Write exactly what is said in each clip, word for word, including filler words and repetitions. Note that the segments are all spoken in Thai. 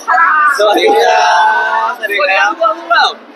ค่ะสวัสดีครับสวัสดีครับพวกเรา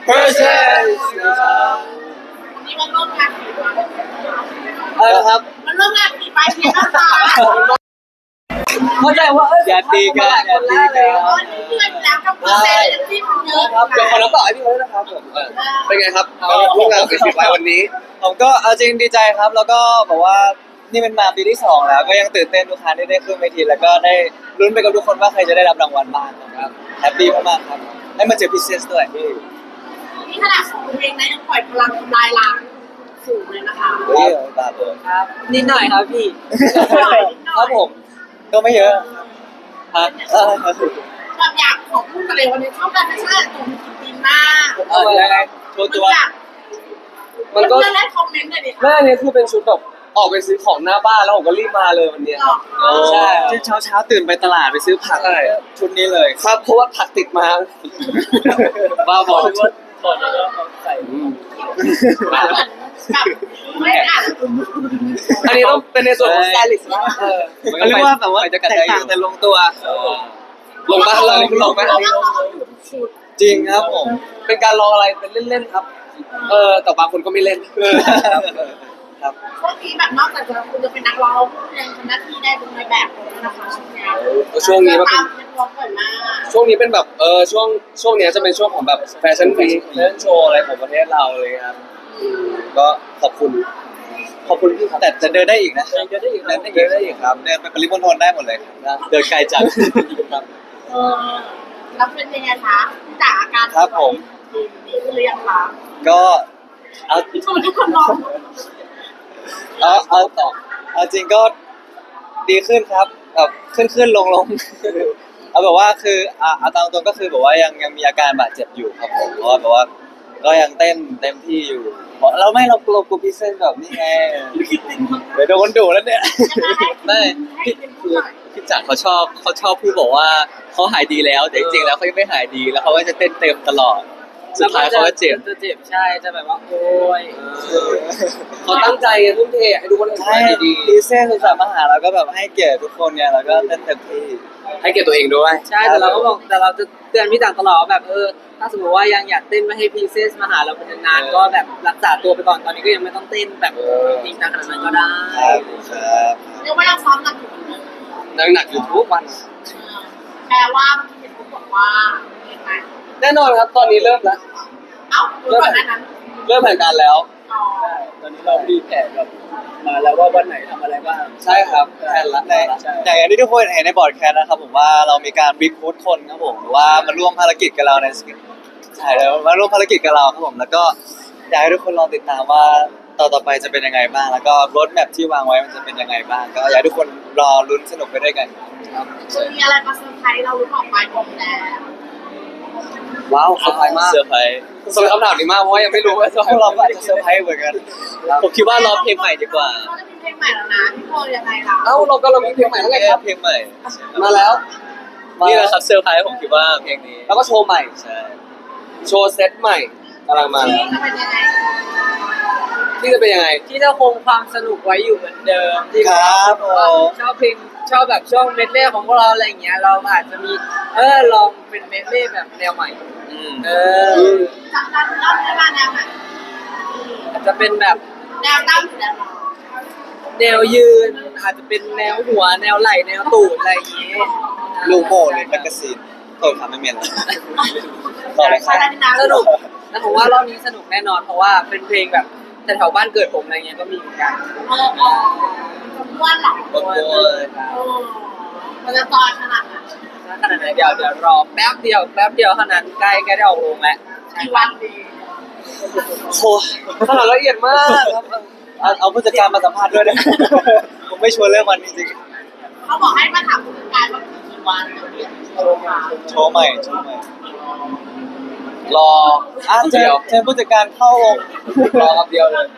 Person วันนี้มาร่วมงานกี่วันอะไรครับมาร่วมงานกี่ไปเที่ยวนะคะเข้าใจว่าอย่าตีกันอย่าตีกันวันนี้เพื่อนแล้วกับคุณเซนที่มันเยอะครับเดี๋ยวขอน้ำต่อให้พี่เขาด้วยนะครับผมเป็นไงครับร่วมงานกับสิบไว้วันนี้ผมก็เอาจริงดีใจครับแล้วก็บอกว่านี่เป็นมาปีที่สองแล้วก็ยังตื่นเต้นทุกครั้งที่ได้ขึ้นเวทีแล้วก็ได้ลุ้นไปกับทุกคนว่าใครจะได้รับรางวัลบ้างครับแฮปปี้มากๆครับได้มาเจอพิเศษด้วยนี่ขนาดของเพลงนะยังปล่อยพลังทำลายล้างสูงเลยนะคะเฮ้ยตาตัวครับนิดหน่อยครับพี่ครับผมก็ไม่เยอะฮะแบบอยากขอพูดกันเลยวันนี้ชอบการเป็นชาติตรงดีมากเออยังไงโชว์ตัวมันก็ได้คอมเมนต์เลยดิแม่เนี่ยคือเป็นชุดแบบออกไปซื้อของหน้าบ้านแล้วผมก็รีบมาเลยวันเนี้ยครับใช่ที่เช้าเช้าตื่นไปตลาดไปซื้อผักชุดนี้เลยครับเพราะว่าผักติดมาบ้าบอก่อนจะเริ่มใส่แบบไม่อ่านอันนี้ต้องเป็นในส่วนของสไตลิสต์นะเออเขาเรียกว่าแบบว่าแตกต่างแต่ลงตัวลงมาเราลงไหมเพราะว่าเขาอยู่ชุดจริงครับผมเป็นการลองอะไรเป็นเล่นๆครับ เออแต่บางคนก็ไม่เล่นครับช่วงนี้แบบนอกจากจะคุณจะเป็นนักร้องคุณยังทำหน้าที่ได้เป็นนายแบบเลยนะคะช่วงนี้ช่วงนี้มันตาเป็นมนักร้องบ่อยมากช่วงนี้เป็นแบบเออช่วงช่วงเนี้ยจะเป็นช่วงของแบบแฟชั่นวีคแฟชั่นโชว์อะไรของประเทศเราเลยครับก็ขอบคุณ ขอบคุณพี่ครับแต่จะเดินได้อีกนะยังจะได้อีกเดินได้อีกได้อีกครับเดินไปปริมณฑลได้หมดเลยครับเดินไกลจังครับเออแล้วเป็นยังไงคะจากอาการครับผมดีขึ้นหรือยังคะก็เอาทำไมทุกคนร้องเอาเอาต่อเอาจริงก็ดีขึ้นครับแบบขึ้นขึ้นลงลงเอาแบบว่าคืออ่ะเอาตามตรงก็คือแบบว่ายังยังมีอาการบาดเจ็บอยู่ครับผมเพราะว่าแบบว่าก็ยังเต้นเต็มที่อยู่เพราะเราไม่เรากลัวกลัวพิเศษแบบนี้ไงเดี๋ยวโดนดุแล้วเนี่ยไม่พี่คือพี่จักรเขาชอบเขาชอบพูดบอกว่าเขาหายดีแล้วแต่จริงๆแล้วเขายังไม่หายดีแล้วเขาก็จะเต้นเต็มตลอดสุดท้ายเขาก็เจ็บจะเจ็บใช่จะแบบว่าโอ้ยเขาตั้งใจทุ่มเทให้ทุกคนใช่ทำดีพิเศษสุดสามมาหาเราก็แบบให้เกียรติทุกคนเนี่ยแล้วก็เต้นเต็มที่ๆให้เกียรติตัวเองด้วยใช่แต่เราก็บอกแต่เราจะเตือนพี่ต่างตลอดว่าแบบเออถ้าสมมติว่ายังอยากเต้นไม่ให้พีเซสมาหาเราเป็นนานๆก็แบบรักษาตัวไปก่อนตอนนี้ก็ยังไม่ต้องเต้นแบบจริงจังขนาดนั้นก็ได้ครับครับเรียกว่ายังซ้อมหนักอยู่เหมือนเดิมนั่งหนักอยู่ทุกวันแปลว่าเห็นเขาบอกว่ายังไงแน่นอนครับตอนนี้เริ่มแล้วเอ้าก่อนหน้านั้นเริ่มแผนการแล้วอ๋อตอนนี้เราดีแผนแบบมาแล้วว่าวันไหนทำอะไรบ้างใช่ครับแผนละในอย่างที่ทุกคนเห็นในบอร์ดแคสนะครับผมว่าเรามีการรีคูดคนครับผมหรือว่ามาร่วมภารกิจกับเราในใช่แล้วมาร่วมภารกิจกับเราครับผมแล้วก็อยากให้ทุกคนลองติดตามว่าต่อต่อไปจะเป็นยังไงบ้าง แล้วก็รถแมพที่วางไว้มันจะเป็นยังไงบ้าง ก็อยากให้ทุกคนรอลุ้นสนุกไปด้วยกันครับคือมีอะไรมาเซอร์ไพรส์เราหรือเปล่าไปบอกแล้วว้าวเซอร์ไพรส์มากเซอร์ไพรส์สำหรับคำถามนี้มากเพราะว่ายังไม่รู้ว่าจะพวกเราก็อาจจะเซอร์ไพรส์เหมือนกันผมคิดว่ารอเพลงใหม่ดีกว่าเขาจะมีเพลงใหม่แล้วนะพี่โพยังไงล่ะเอ้าเราก็เรามีเพลงใหม่แล้วไงครับเพลงใหม่มาแล้วนี่แหละครับเซอร์ไพรส์ผมคิดว่าเพลงนี้แล้วก็โชว์ใหม่ใช่โชว์เซตใหม่กำลังมาแล้วจะเป็นยังไงที่จะเป็นยังไงที่จะคงความสนุกไว้อยู่เหมือนเดิมที่ครับผมชอบเพลงชอบแบบช่วงเมดเล่ของพวกเราอะไรอย่างเงี้ยเราอาจจะมีเออลองเป็นเมดเล่แบบแนวใหม่อืมเออจะจะเล่าได้บ้างแนวไหนอาจจะเป็นแบบแนวตั้งหรือแนวนอนแนวยืนอาจจะเป็นแนวหัวแนวไหล่แนวตูดอะไรอย่างเงี้ยลูโม่หรือแมกกาซีนโทษครับไม่เมียนต่อเลยครับอะไรนะสนุกแล้วผมว่ารอบนี้สนุกแน่นอนเพราะว่าเป็นเพลงแบบแต่แถวบ้านเกิดผมอะไรเงี้ยก็มีเหมือนกันเออเออม้วนหรอโอ้โหเออมันจะตอนขนาดไหนขนาดไหนเดี๋ยวเดี๋ยวรอแป๊บเดียวแป๊บเดียวเท่านั้นใกล้ใกล้ได้ออกโรงแล้วกี่วันดีโอ้ขนาดละเอียดมากครับเอาเอาผู้จัดการมาสัมภาษณ์ด้วยนะ ผมไม่ชวนเรื่องวันจริงเขาบอกให้มาถามผู้จัดการว่ากี่วันเดี๋ยวเรียนโทรมาๆโชว์ใหม่โชว์ใหม่รออ่ะเจเดีอยวเจอผู้จัดการเข้าวงรอครับเดียวเลย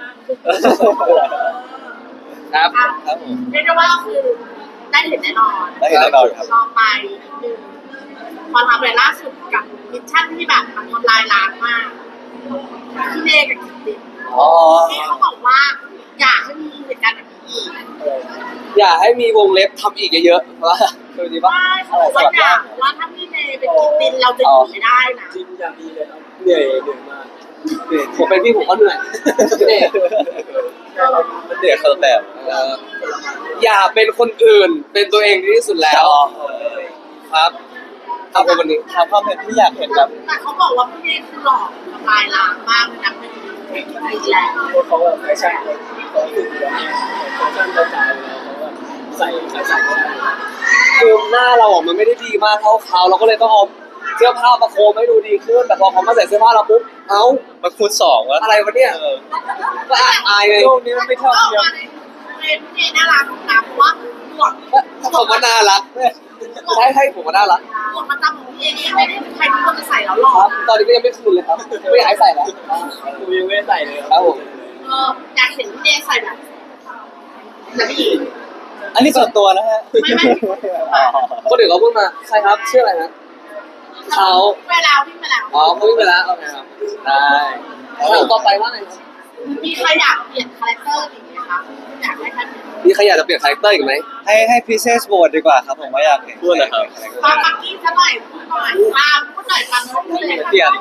ครับครับผมเรียกได้ว่าคือได้เห็นแน่นอนได้เห็นแน่นอนครับรอไปนิดนึงพอทำอะไรล่าสุดกับมิชชั่นที่แบบมันทำลายล้างมากที่เนกับกิตติอ๋อที่เขาบอกว่าอยากให้มีเหตุการณ์แบบนี้อีกอย่าให้มีวงเล็บทำอีกเยอะๆเพราะว่าคือดีป่ะว่าเขาบอกว่าอยากว่าถ้าพี่เนเป็นกิตเราจะอยู่ไม่ได้นะจริงอย่างดีเลยครับเหนื่อยเหนื่อยมากเหนื่อยผมเป็นพี่ผมก็เหนื่อยเหนื่อยมันเดือดคนละแบบเอ่ออย่าเป็นคนอื่นเป็นตัวเองดีที่สุดแล้วครับครับในวันนี้ถามความเห็นที่อยากเห็นแบบแต่เขาบอกว่าพี่เนยคือหล่อทำลายล้างมากเลยนะเป็นอีกแล้วเขาแบบแฟชั่นเขาฝึกแบบแฟชั่นกระจายแล้วเขาแบบใส่ใส่ใส่คือหน้าเราอ่ะมันไม่ได้ดีมากเท่าเขาเราก็เลยต้องเอาเสื้อผ้ามาโคมให้ดูดีขึ้นแต่พอเขามาใส่เสื้อผ้าเราปุ๊บเอ้ามาคูณสองแล้วอะไรวะเนี่ยก็อายอายเลยโลกนี้มันไม่เท่าเทียมพี่เนยน่ารักนะเพราะว่าหมวกผมว่าน่ารักใช่ให้ผมว่าน่ารักหมวกประจำของพี่เนยไม่ได้ใครทุกคนจะใส่แล้วหล่อครับตอนนี้ก็ยังไม่คืนเลยครับไม่อยากให้ใส่แล้วผมยังไม่ได้ใส่เลยครับผมเอออยากเห็นพี่เนยใส่แบบแบบผู้หญิงอันนี้ส่วนตัวนะฮะไม่ไม่คนอื่นเขาพูดมาใครครับชื่ออะไรนะเขาไปแล้ววิ่งไปแล้วอ๋อเขาวิ่งไปแล้วโอเคครับได้แล้วต่อไปว่าไงครับมีใครอยากเปลี่ยนคาแรคเตอร์อีกไหมคะอยากให้ท่านมีใครอยากจะเปลี่ยนคาแรคเตอร์อีกไหมให้ให้พีเซสโหวตดีกว่าครับผมว่าอยากเห็นพูดเลยครับฟังฟังกี้ซะหน่อยพูดหน่อยตามพูดหน่อยฟังพูดเลยเปลี่ยน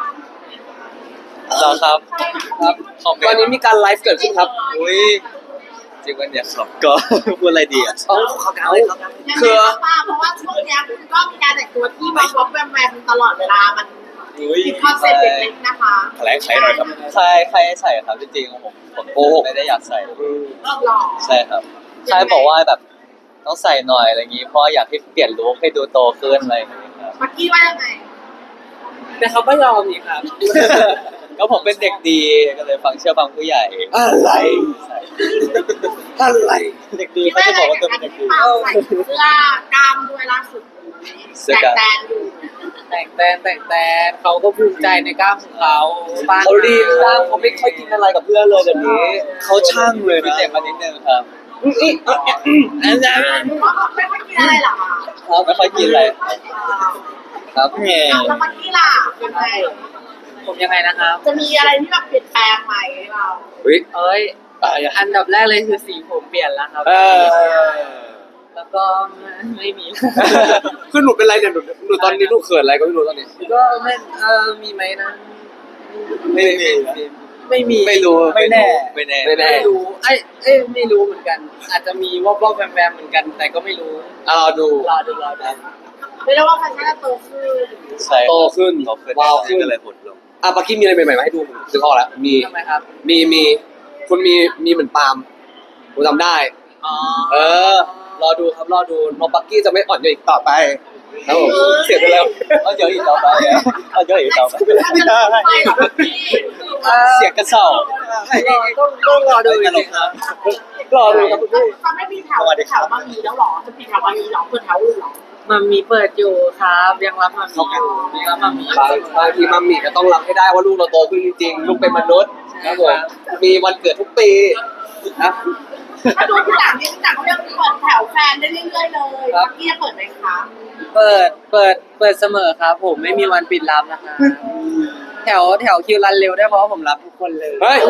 เหรอครับครับคอมเมตอนนนี้ต์มีการไลฟ์เกิดขึ้นครับอุ้ยจริงวันเนี่ยครับก็ พูดอะไรดีอ่ะเอาเขากาวเลยครับยังไงครับป้าเพราะว่าช่วงเนี้ยก็มีการแต่งตัวที่มาพบแวมแวมตลอดเวลามันมีคอนเซ็ปต์เล็กๆนะคะแถลงไขหน่อยครับใครใครให้ใส่ครับจริงๆของผมผมโอ้โหไม่ได้อยากใส่หล่อใช่ครับใช่บอกว่าแบบต้องใส่หน่อยอะไรอย่างงี้เพราะอยากให้เปลี่ยนลุคให้ดูโตขึ้นอะไรอย่างเงี้ยครับปักกี้ว่ายังไงแต่เขาไม่ยอมนี่ครับก็ผมเป็นเด็กดีก็เลยฟังเชื่อฟังผู้ใหญ่อะไรใช่อะไรเด็กดีคิดเขาว่าจะยังบอกไงว่ากัตับวการเป็นเด็กที่ดีเปาใส่เสื้อกล้ามด้วยล่าสุดแต่งแตนอยู่แต่งแตนแต่งแตนเขาก็ภูมิใจในกล้ามของเขาบ้านเขาดีมากเขาไม่ค่อยกินอะไรกับเพื่อนเลยแบบนี้เขาช่างเลยนะเด็กมานิดนึงครับอันนั้นไม่ค่อยกินอะไรหรอครับไม่ค่อยกินอะไรครับแง่แล้วปักกี้ล่ะยังไงผมยังไงนะครับจะมีอะไรที่แบบเปลี่ยนแปลงไหมเราเฮ้ยเอ้ยอันดับแรกเลยคือสีผมเปลี่ยนแล้วครับเออแล้วก็ไม่มีคือหนูเป็นไรเนี่ยหนูหนูตอนนี้หนูเขินอะไรก็ไม่รู้ตอนนี้ก็ไม่เออมีไหมนะไม่มีไม่มีไม่รู้ไม่แน่ไม่แน่ไม่แน่ไม่รู้ไอ้ยเอ้ยไม่รู้เหมือนกัน อาจจะมีวอบๆแวมๆเหมือนกัน แต่ก็ไม่รู้อ่ะเราดูรอดูรอดูไม่ได้ว่าแฟชั่นจะโตขึ้นใช่โตขึ้นโตขึ้นว้าวขึ้นก็เลยหดลงอ่ะปักกี้มีอะไรใหม่ๆมาให้ดูผมซื้อข้อแล้วมีทำไมครับมีมีคุณมีมีเหมือนปาล์มผมจำได้อ๋อเออ รอดูครับรอดูน้องปักกี้จะไม่อ่อนโยนอีกต่อไปครับผมเสียไปแล้วเอาเยอะอีกต่อไปอะเอาเยอะอีกต่อไปมันจะลงไปเหรอพี่เสียงกระเซาต้องต้องรอดูจริงๆครับรอดูครับคุณพี่จะไม่มีแถวแถวบางมีแล้วหรอจะปิดแถวบางมีหรอเปิดแถวอื่นหรอมันมีเปิดอยู่ครับยังรับมามีอยู่ยังรับมามีอยู่บางบางทีมัมมี่ก็ต้องรับให้ได้ว่าลูกเราโตขึ้นจริงๆลูกเป็นมนุษย์ครับผมมีวันเกิดทุกปีนะถ้าดูที่หลังนี่ที่หลังเขายังเปิดแถวแฟนได้เรื่อยๆเลยปักกี้จะเปิดไหมคะเปิดเปิดเปิดเสมอครับ ผมไม่มีวันปิดรับนะคะแถวแถวคิวรันเร็วได้เพราะว่าผมรับทุกคนเลยเฮ้ย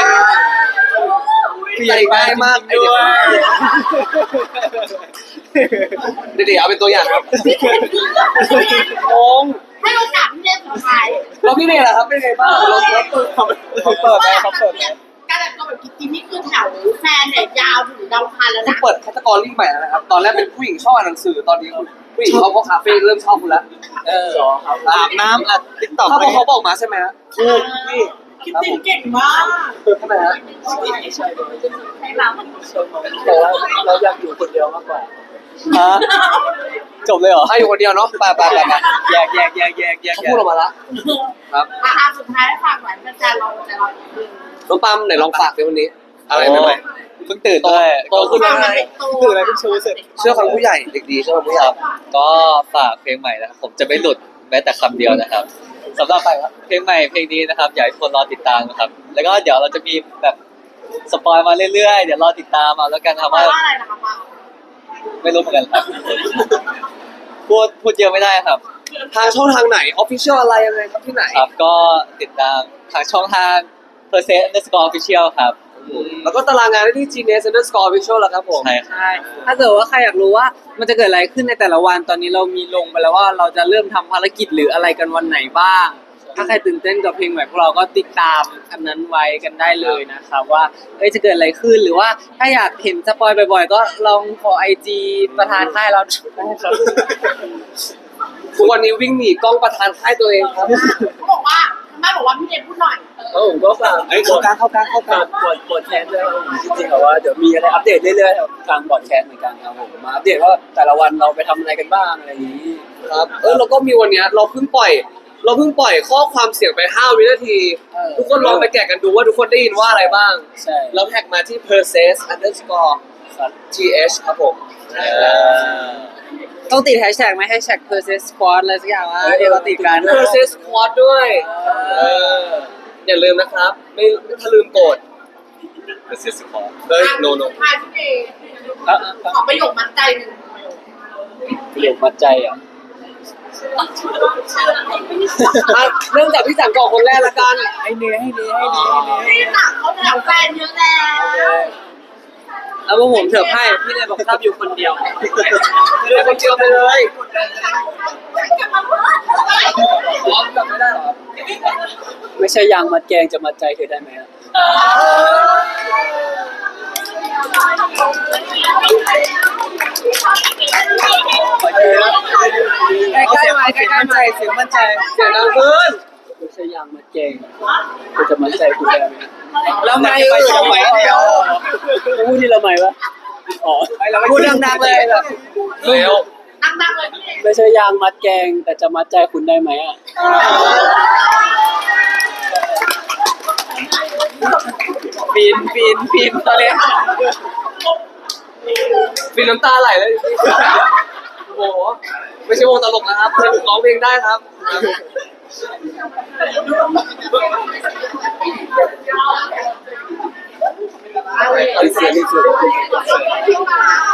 ใจง่ายมากไอเด็กเด็กๆเอาเป็นตัวอย่างครับงงให้โอกาสพี่เล่นสุดท้ายแล้วพี่เนยล่ะครับเป็นไงบ้างเราเราเปิดเขาเปิดไหมเขาเปิดไหมการแต่งตัวแบบกิ๊กกิ๊กนี่คือแถวแฟนเนี่ยยาวถึงดาวคันแล้วที่นะเปิดแคตตากรีใหม่แล้วนะครับ ตอนแรกเป็นผู้หญิงชอบอ่านหนังสือ ตอนนี้คุณผู้หญิงเขาก็คาเฟ่เริ่มชอบคุณแล้วเอออาบน้ำอัดติ๊กต็อกถ้าพวกเขาบอกมาใช่ไหมฮะถูกนี่คิดจริงเก่งมากใช่ไหมฮะให้เราแต่ว่าเราอยากอยู่คนเดียวมากกว่าฮะจบเลยเหรอถ้าอยู่คนเดียวเนาะไปไปไปไปแยกแยกแยกแยกแยกเขาพูดออกมาละครับอ่ะสุดท้ายฝากหน่อยแฟนเราแต่เราน้องปั๊มไหนลองฝากในวันนี้ อะไรใหม่เพิ่งตื่นด้วยโตขึ้นฟัแล้งวมันเป็นตัวตื่นอะไรเพิ่งชูเสร็จเชื่อฟังผู้ใหญ่เด็กดีเชื่อฟังผู้ใหญ่ก็ฝากเพลงใหม่นะครับผมจะไม่หลุดแม้แต่คำเดียวนะครับสำหรับเพลงใหม่เพลงนี้นะครับอยากให้ทุกคนรอติดตามนะครับ แล้วก็เดี๋ยวเราจะมีแบบสปอยมาเรื่อยๆเดี๋ยวรอติดตามเอาแล้วกันครับว่าว่าอะไรนะคะมาไม่รู้เหมือนกันครับพูดพูดเยอะไม่ได้ครับทางช่องทางไหนออฟฟิเชียลอะไรยังไงครับที่ไหนครับก็ติดตามทางช่องทาง percent underscore official ครับอแล้วก็ตารางงานได้ที่ Genius Underscore Official แล้วครับผมใช่ครับใช่ถ้าเกิดว่าใครอยากรู้ว่ามันจะเกิดอะไรขึ้นในแต่ละวันตอนนี้เรามีลงไปแล้วว่าเราจะเริ่มทำภารกิจหรืออะไรกันวันไหนบ้าง ถ้าใครตื่นเต้นกับเพลงใหม่พวกเราก็ติดตามอันนั้นไว้กันได้เลยนะครับว่าเอ้ยจะเกิดอะไรขึ้นหรือว่าถ้าอยากเห็นสปอยบ่อยๆ ก็ลองขอไอจีประธานค่ายเราได้ครับทุกวันนี้วิ่งหนีกล้องประธานค่ายตัวเองครับเขาบอกว่าทางบ้านบอกว่าพี่เนยพูดหน่อยแล้วผมก็ฝากไอ้เข้ากลางเข้ากลางเข้ากลางบอดบอดแคสต์ด้วยครับผมจริงๆแบบว่าเดี๋ยวมีอะไรอัปเดตเรื่อยๆครับทางบอดแคสต์เหมือนกันครับผมมาอัปเดตว่าแต่ละวันเราไปทำอะไรกันบ้างอะไรอย่างนี้ครับเออเราก็มีวันเนี้ยเราเพิ่งปล่อย เราเพิ่งปล่อยข้อความเสียงไปห้าวินาทีเออทุกคนลองไปแกะกันดูว่าทุกคนได้ยินว่าอะไรบ้างใช่แล้วแท็กมาที่ perses underscore ครับ th ครับผมต้องติดแฮชแท็กไหมแฮชแท็ก persist squad อะไรสักอย่างว่าเดี๋ยวเราติดกัน perses squad ด้วยเอออย่าลืมนะครับ ไม่ถ้าลืมกดเป็นซิสคอร์เฮ้ย no no ทายพี่เนยอ่ะขอประโยคมัดใจหนึ่งประโยคมัดใจอ่ะอ่ะเริ่มจากพี่สังก่อนคนแรกละกันให้เนยให้เนยให้เนยให้เนยพี่หนักเขาแถวแฟนเยอะแล้วแล้วพวกผมเถิบให้พี่เลยบอกชอบอยู่คนเดียวเลือกคนเดียวไปเลยพร้อมกับไม่ได้หรอไม่ใช่ยางมัดแกงจะมัดใจเธอได้ไหมอ่ะใกล้ๆมาใกล้ๆมาเสียงมั่นใจเสียงดังขึ้นไม่ใช่ยางมัดแกงเธอจะมัดใจคุณได้ไหมแล้วไม่เออทำไมเดียวพูดที่ละไมวะอ๋อพูดดังๆเลยแบบเร็วดังๆเลยพี่เนยไม่ใช่ยางมัดแกงแต่จะมัดใจคุณได้ไหมอ่ะปีนปีนปีนตอนนี้ปีน้ำตาไหลเลยโอ้โหไม่ใช่วงตลกนะครับเพื่อนร้องเพลงได้ครับเอาเสียงที่สุด